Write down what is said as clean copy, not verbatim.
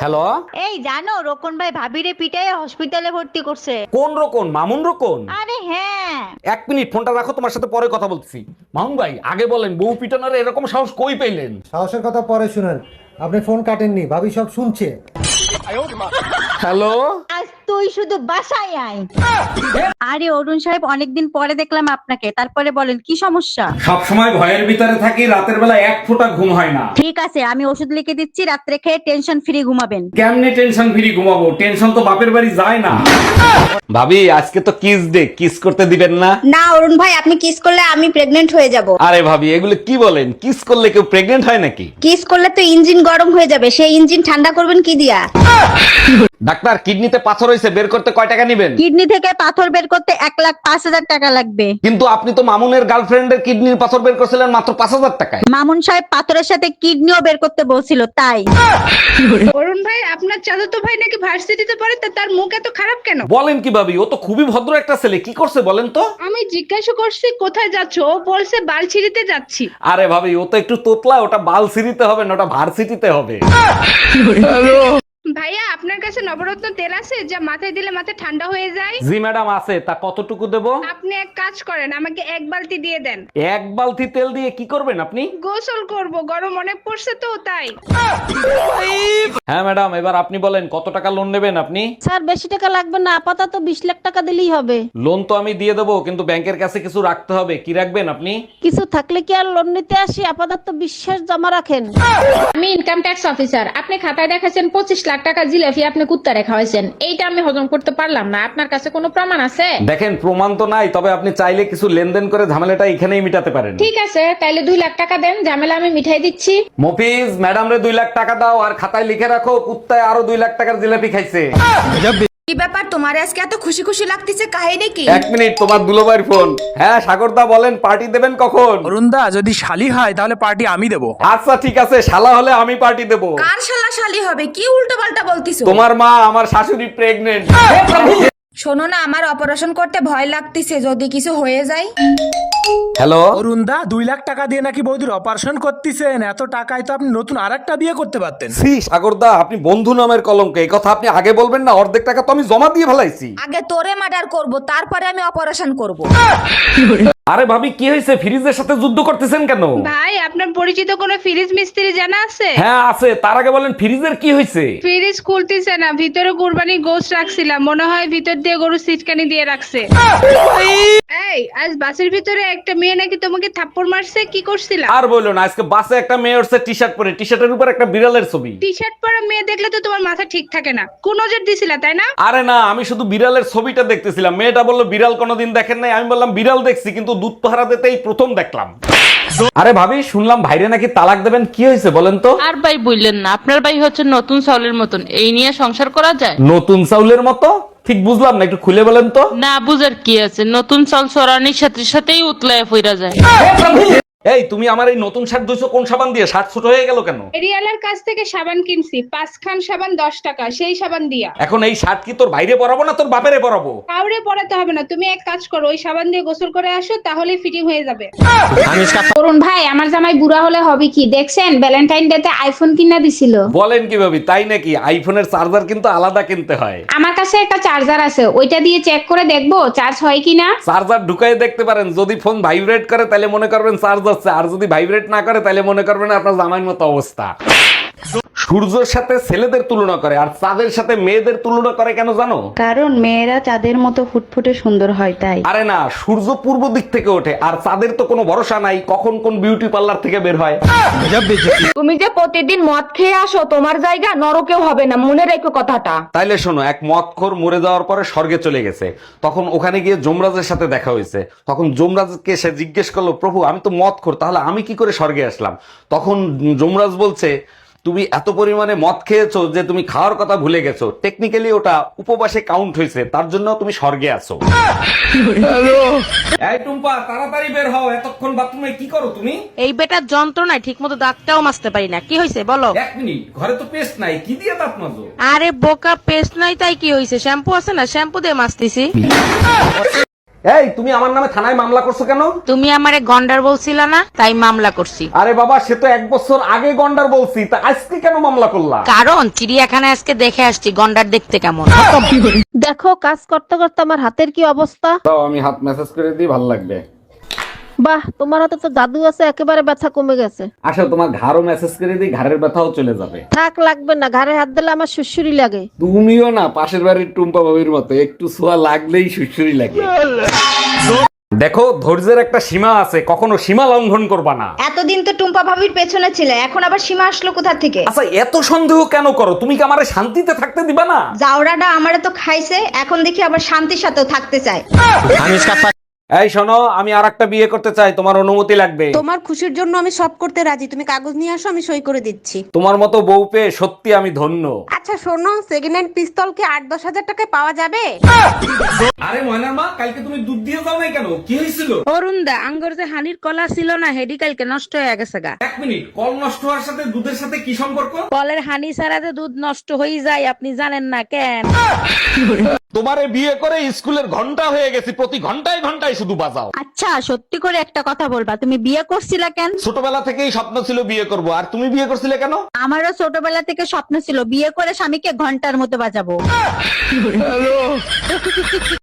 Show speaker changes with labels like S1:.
S1: Hello,
S2: এই জানো রোকন ভাই ভাবিরে পিটাই হসপিটালে ভর্তি করছে।
S1: কোন রকম? মামুন রকম?
S2: আরে হ্যাঁ।
S1: এক মিনিট, ফোনটা রাখো, তোমার সাথে পরে কথা বলছি। মামুন ভাই, আগে বলেন বউ পিটানোর এরকম সাহস কই পেলেন?
S3: সাহসের কথা পরে শুনেন, আপনি ফোন কাটেননি, ভাবি সব শুনছে।
S1: হ্যালো,
S2: আজ তুই শুধু বাসায় আয়। আরে অরুণ সাহেব, অনেকদিন পরে দেখলাম আপনাকে, তারপরে বলেন কি সমস্যা?
S1: সব সময় ভয়ের ভিতরে থাকি, রাতের বেলা এক ফোঁটা ঘুম হয় না।
S2: ঠিক আছে, আমি ওষুধ লিখে দিচ্ছি, রাত্রে খেয়ে টেনশন ফ্রি ঘুমাবেন।
S1: কেমনে টেনশন ফ্রি ঘুমাবো? টেনশন তো বাপের বাড়ি যায় না। ভাবি, আজকে তো কিস ডে, কিস করতে দিবেন না?
S4: না অরুণ ভাই, আপনি কিস করলে আমি প্রেগনেন্ট হয়ে যাব।
S1: আরে ভাবি, এগুলো কি বলেন? কিস করলে কেউ প্রেগনেন্ট হয় নাকি?
S4: কিস করলে তো ইঞ্জিন গরম হয়ে যাবে, সেই ইঞ্জিন ঠান্ডা করবেন কি দিয়া?
S1: ডাক্তার, কিডনিতে পাথর হয়েছে, বের করতে কয় টাকা নিবেন?
S2: কিডনি থেকে পাথর বের করতে 1,05,000 টাকা লাগবে।
S1: কিন্তু আপনি তো মামুনের গার্লফ্রেন্ডের কিডনির পাথর বের করছিলেন মাত্র 5,000 টাকায়।
S2: মামুন সাহেব পাথরের সাথে কিডনিও বের করতে বলছিল, তাই।
S5: অরুণ ভাই, আপনার চাচাতো ভাই নাকি ভার্সিটিতে পড়ে, তা তার মুখ এত খারাপ কেন?
S1: বলেন কি ভাবি? ও তো খুবই ভদ্র একটা ছেলে, কি করছে বলেন তো?
S5: আমি জিজ্ঞাসা করছি কোথায় যাচ্ছ, ও বলছে বালছিড়িতে যাচ্ছি।
S1: আরে ভাবি, ও তো একটু তোতলা, ওটা বালসিটিতে হবে না, ওটা ভার্সিটিতে হবে।
S5: ভাইয়া, আপনার কাছে নবরত্ন তেল আছে যা মাথায় দিলে মাথা ঠান্ডা হয়ে যায়?
S1: জি ম্যাডাম, আছে। তা কতটুকু দেব?
S5: আপনি এক কাজ করেন, আমাকে 1 বালতি দিয়ে দেন।
S1: এক বালতি তেল দিয়ে কি করবেন আপনি?
S5: গোসল করব, গরম অনেক পড়ছে তো তাই।
S1: হ্যাঁ ম্যাডাম, এবার আপনি বলেন কত টাকা লোন নেবেন আপনি?
S2: স্যার বেশি টাকা লাগবে না, আপাতত 20 লাখ টাকা দিলেই হবে।
S1: লোন তো আমি দিয়ে দেবো, কিন্তু ব্যাংকের কাছে কিছু রাখতে হবে। কি রাখবেন আপনি?
S2: কিছু থাকলে কি আর লোন নিতে আসি? আপাতত বিশ্বাস জমা রাখেন।
S6: আমি ইনকাম ট্যাক্স অফিসার। আপনি খাতায় দেখাচ্ছেন 25 লাখ টাকা জিলাপি আপনি কুত্তা রেখা হয়েছেন, এইটা আমি হজম করতে পারলাম না। আপনার কাছে কোনো প্রমাণ আছে?
S1: দেখেন, প্রমাণ তো নাই, তবে আপনি চাইলে কিছু লেনদেন করে ঝামেলাটা এখানেই মিটাতে পারেন।
S6: ঠিক আছে, তাইলে 2 লাখ টাকা দেন, ঝামেলা আমি মিঠাই দিচ্ছি।
S1: মফিজ, ম্যাডাম রে 2 লাখ টাকা দাও, আর খাতায় লিখে রাখো কুত্তায় আরো 2 লাখ টাকার জিলাপি খাইছে।
S4: কি ব্যাপার, তোমার আজকে এত খুশি খুশি লাগতেছে, কাহিনী কি?
S1: এক মিনিট, তোমার দুলোবাইর ফোন। হ্যাঁ সাগরদা, বলেন পার্টি দেবেন কখন?
S7: অরুণদা, যদি শালি হয় তাহলে পার্টি আমি দেবো।
S1: আচ্ছা ঠিক আছে, শালা হলে আমি পার্টি দেবো।
S4: কার শালা শালি হবে? কি উল্টো পাল্টা বলতিছো?
S1: তোমার মা, আমার শাশুড়ি প্রেগনেন্ট।
S4: শোনো না, আমার অপারেশন করতে ভয় লাগতেছে, যদি কিছু হয়ে যায়।
S1: হ্যালো,
S7: অরুণদা, 2 লাখ টাকা দিয়ে নাকি বৌদির অপারেশন করতেছেন? এত টাকায় তো আপনি নতুন আরেকটা বিয়ে করতে পারতেন।
S1: সি সাগরদা, আপনি বন্ধু নামের কলঙ্ক। এই কথা আপনি আগে বলবেন না, অর্ধেক টাকা তো আমি জমা দিয়ে ফেলাইছি।
S4: আগে তোরে মার্ডার করব, তারপরে আমি অপারেশন করব।
S1: আরে ভাবি, কি হয়েছে? ফ্রিজের সাথে যুদ্ধ করতেছেন কেন?
S5: ভাই, আপনার পরিচিত কোনো ফ্রিজ মিস্ত্রি জানা আছে?
S1: হ্যাঁ আছে। তার আগে বলেন ফ্রিজের কি হয়েছে?
S5: ফ্রিজ খুলতেছে না, ভিতরে কুরবানি গোশত রাখছিলাম, মনে হয় ভিতর দিয়ে গরু সিটকানি দিয়ে রাখছে। এই, আজ বাসের ভিতরে একটা মেয়ে নাকি তোমাকে থাপ্পড় মারছে, কি করছিলা?
S1: আর বললো না, আজকে বাসে একটা মেয়ে উঠছে টি শার্ট পরে, টি শার্টের উপর একটা বিড়ালের ছবি।
S5: টি শার্ট পরা মেয়ে দেখলে তো তোমার মাথা ঠিক থাকে না, কোন নজর দিছিলা তাই না?
S1: আরে না, আমি শুধু বিড়ালের ছবিটা দেখতেছিলাম। মেয়েটা বললো বিড়াল কোনোদিন দেখেন নাই। আমি বললাম বিড়াল দেখছি, কিন্তু দুধ পাহারা দিতেই প্রথম দেখলাম। আরে ভাবি, শুনলাম ভাইরে নাকি তালাক দেবেন, কি হয়েছে বলেন তো?
S8: আর ভাই বললেন না, আপনার ভাই হচ্ছে নতুন চাউলের মতন, এই নিয়ে সংসার করা যায়?
S1: নতুন চাউলের মতো? ঠিক বুঝলাম না, একটু খুলে বলেন তো।
S8: না বুঝার কি আছে, নতুন চাল চড়ানির সাথে সাথেই উতলায় ফিরা যায়।
S1: এই, তুমি আমার এই নতুন শার্ট ধুইছো কোন সাবান দিয়ে? শার্ট ছোট হয়ে গেল কেন?
S5: এরিয়ালার কাছ থেকে সাবান কিনছি, 5 খান সাবান 10 টাকা, সেই সাবান দিয়া।
S1: এখন এই শার্ট কি তোর বাইরে পরাবো না তোর বাপেরে পরাবো?
S5: কাউরে পড়াতে হবে না, তুমি এক কাজ করো, ওই সাবান দিয়ে গোসল করে আসো, তাহলেই ফিটিং হয়ে যাবে।
S6: অরুণ ভাই, আমার জামাই বুড়া হলে হবে কি? দেখছেন ভ্যালেন্টাইন ডে তে আইফোন কিনা দিছিল।
S1: বলেন কি ভাবি, তাই নাকি? আইফোনের চার্জার কিন্তু আলাদা কিনতে হয়।
S6: আমার কাছে একটা চার্জার আছে, ওইটা দিয়ে চেক করে দেখবো চার্জ হয় কিনা।
S1: চার্জার ঢুকাই দেখতে পারেন, যদি ফোন ভাইব্রেট করে তাহলে মনে করবেন চার্জ হচ্ছে, আর যদি ভাইব্রেট না করে তাহলে মনে করবেন আপনার জামাইয়ের মতো অবস্থা। সূর্যের সাথে ছেলেদের তুলনা করে, আর চাঁদের সাথে মেয়েদের তুলনা করে কেন জানো?
S9: কারণ মেয়েরা চাঁদের মতো ফুটফুটে সুন্দর হয় তাই।
S1: আরে না, সূর্য পূর্ব দিক থেকে ওঠে, আর চাঁদের তো কোনো ভরসা নাই কখন কোন বিউটি পার্লার থেকে বের হয়।
S4: তুমি যে প্রতিদিন মদ খেয়ে আসো, তোমার জায়গা নরকেও হবে না, মনে রেখো কথাটা।
S1: তাইলে শোনো, এক মদখোর মরে যাওয়ার পরে স্বর্গে চলে গেছে, তখন ওখানে গিয়ে যমরাজের সাথে দেখা হয়েছে। তখন যমরাজকে সে জিজ্ঞেস করলো, প্রভু আমি তো মদখোর, তাহলে আমি কি করে স্বর্গে আসলাম? তখন যমরাজ বলছে, তুমি এত পরিমাণে মদ খেয়েছো যে তুমি খাওয়ার কথা ভুলে গেছো। টেকনিক্যালি ওটা উপবাসে কাউন্ট হয়েছে, তার জন্য তুমি স্বর্গে আছো। এই টুম্পা, তাড়াতাড়ি বের হও, এতক্ষণ বাথরুমে কি করো তুমি?
S8: এই বেটার যন্ত্রণায় ঠিক মতো দাঁতটাও মাজতে পারি না। কি হয়েছে বলো?
S1: এক মিনিট, ঘরে তো পেস্ট নাই, কি দিয়ে দাঁত মাজো?
S8: আরে বোকা, পেস্ট নাই তাই কি হয়েছে? শ্যাম্পু আছে না, শ্যাম্পু দিয়ে মাজতেছি।
S1: এই তুমি আমার নামে থানায় মামলা করছো কেন?
S8: তুমি আমারে গন্ডার বলছিলা না, তাই মামলা করছি।
S1: আরে বাবা, সে তো 1 বছর আগে গন্ডার বলছি, তা আজকে কেন মামলা করলা?
S8: কারণ চিড়িয়াখানায় আজকে দেখে আসছি গন্ডার দেখতে কেমন।
S2: দেখো কাজ করতে করতে আমার হাতের কি অবস্থা।
S1: দাও আমি হাত মেসেজ করে দিই, ভালো লাগবে।
S2: বাহ, তোমার হাতে তো জাদু আছে, একেবারে ব্যথা কমে গেছে।
S1: আসলে তোমার ঘাড়ও মেসেজ করে দিই, ঘাড়ের ব্যথাও চলে যাবে।
S2: থাক, লাগবে না, ঘাড়ে হাত দিলে আমার সুসুরি লাগে।
S1: তুমিও না পাশের বাড়ির টুম্পা বাবির মতো, একটু ছোঁয়া লাগলেই সুসুরি লাগে। দেখো, ধৈর্যের একটা সীমা আছে, কখনো সীমা লঙ্ঘন করবা না।
S4: এতদিন তো টুম্পা ভাবির পেছনে ছিলে, এখন আবার সীমা আসলো কোথা থেকে?
S1: আচ্ছা, এত সন্দেহ কেন করো? তুমি কি আমারে শান্তিতে থাকতে দিবা না?
S4: জাউরাটা আমারে তো খাইছে, এখন দেখি আবার শান্তির সাথেও থাকতে চায়।
S1: এই শোনো, আমি আরেকটা বিয়ে করতে চাই, তোমার অনুমতি লাগবে।
S2: তোমার খুশির জন্য আমি সব করতে রাজি, তুমি কাগজ নিয়ে আসো, আমি সই করে দিচ্ছি।
S1: তোমার মতো বউ পেয়ে সত্যি আমি ধন্য।
S2: আচ্ছা শোনো, সেকেন্ড হ্যান্ড পিস্তল কি 8-10 হাজার টাকায় পাওয়া যাবে?
S1: আরে ময়নার মা, কালকে তুমি দুধ দিয়ে যাও নাই কেন? কি হয়েছিল?
S8: অরুণ দা, আঙ্গর যে হানির কলা ছিল না, হেডি কালকে নষ্ট হয়ে গেছে গা।
S1: 1 মিনিট, কল নষ্ট হওয়ার সাথে দুধের সাথে কি সম্পর্ক?
S8: কলের হানি ছাড়া যে দুধ নষ্ট হয়ে যায়, আপনি জানেন না কেন?
S1: তোমারে বিয়ে করে স্কুলের ঘন্টা হয়ে গেছি, প্রতি ঘন্টায় ঘন্টায় শুধু বাজাও।
S2: আচ্ছা সত্যি করে একটা কথা বলবা, তুমি বিয়ে করছিলা কেন?
S1: ছোটবেলা থেকেই স্বপ্ন ছিল বিয়ে করব, আর তুমি বিয়ে করছিলে কেন?
S2: আমারও ছোটবেলা থেকে স্বপ্ন ছিল বিয়ে করে স্বামীকে ঘন্টার মতো বাজাবো।